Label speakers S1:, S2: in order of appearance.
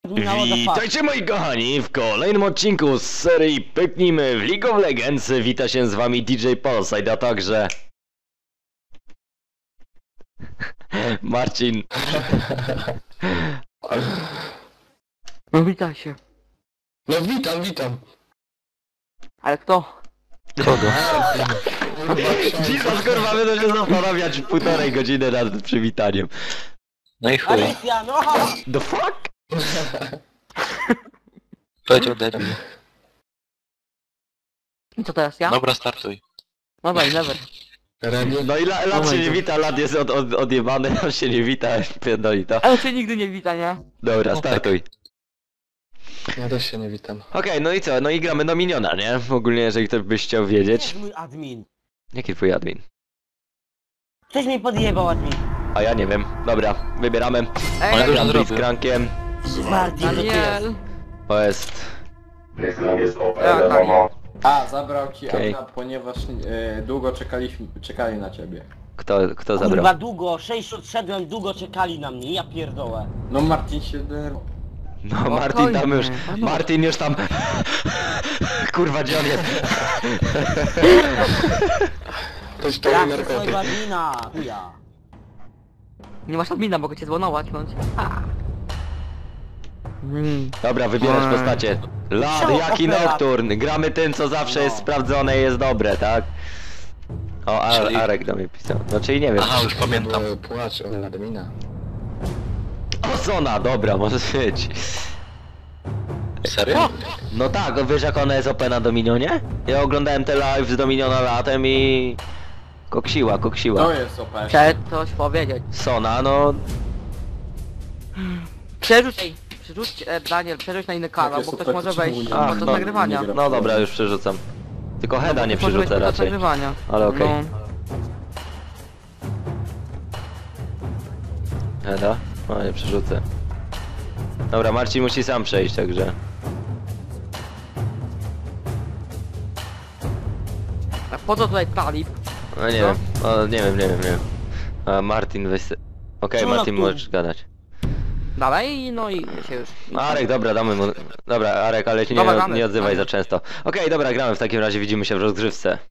S1: Witajcie moi kochani w kolejnym odcinku z serii Pyknijmy w League of Legends. Wita się z wami DJ Polside, a także Marcin.
S2: No witaj się.
S3: No witam.
S2: Ale kto?
S1: Kogo? Jesus, kurwa, będę się zastanawiać półtorej godziny nad przywitaniem.
S3: No i chuj.
S4: Alicja, no!
S1: The fuck?
S3: Powiedział debil.
S2: I co teraz ja?
S3: Dobra, startuj.
S2: Dobra, i never.
S1: No i lat się nie wita, lat jest odjebany, on się nie wita, pierdoli to.
S2: Ale się nigdy nie wita, nie?
S1: Dobra, startuj.
S3: Ja też się nie witam.
S1: Okej, no i co? No i gramy do miniona, nie? Ogólnie, jeżeli ktoś byś chciał wiedzieć.
S4: Jest mój admin.
S1: Jaki twój admin?
S4: Ktoś mi podjebał admin.
S1: A ja nie wiem. Dobra, wybieramy.
S2: Ej,
S3: Ale
S1: Ja
S3: dużo
S1: gram
S3: zrobił.
S1: Blitzcrankiem.
S4: Martin, to ty jest.
S2: Daniel!
S1: To jest...
S2: Tak, Daniel.
S5: A, zabrał ci
S1: Okej.
S5: Adna, ponieważ długo czekali na ciebie.
S1: Kto zabrał?
S4: Kurwa długo, 6 odszedłem, długo czekali na mnie, ja pierdolę.
S5: No Marcin się denerwował.
S1: No Martin tam już...
S2: Spokojnie,
S1: Martin już tam... Kurwa, gdzie on jest?
S3: Ktoś to
S4: Ja
S3: mi
S4: chcę swojego
S3: narkotyk.
S4: admina, chuja.
S2: Nie masz admina, mogę cię zwonować, bądź.
S1: Dobra, wybierać postacie. Lad,
S4: Co,
S1: jaki
S4: opera?
S1: Nocturn? Gramy tym, co zawsze
S4: No.
S1: jest sprawdzone i jest dobre, tak? O,
S3: Czyli-
S1: Arek do mnie pisał. No czyli nie wiem.
S3: Aha, już pamiętam.
S5: Płacz o admina.
S1: O, Sona, dobra, może być.
S3: Serio?
S1: No tak, wiesz jak ona jest OP na Dominionie? Ja oglądałem te live z Dominiona latem i... Koksiła.
S5: To jest OP.
S2: Chcę coś powiedzieć.
S1: Sona, no...
S2: Przerzuć, Daniel, przerzuć na inny kanał,
S5: Jakie
S2: bo ktoś
S5: super,
S2: może
S5: czemu
S2: wejść
S5: nie-
S2: podczas
S1: no,
S2: nagrywania.
S5: nie gra.
S1: No dobra, już przerzucam. Tylko heada nie
S2: Ktoś może wejść
S1: przerzucę
S2: podczas
S1: raczej.
S2: nagrywania.
S1: Ale okej.
S2: No.
S1: Heada? No nie przerzucę. Dobra, Marcin musi sam przejść, także...
S2: A po co tutaj talib?
S1: No nie
S2: Co?
S1: wiem, o, nie wiem. A Martin weź se... Okej,
S4: Co
S1: Martin
S4: tu?
S1: możesz gadać.
S2: Dalej, no i się już.
S1: Arek, dobra, damy mu... Dobra, Arek, ale się
S2: Dobra, damy.
S1: nie odzywaj za często. Okej, dobra, gramy w takim razie, widzimy się w rozgrzewce.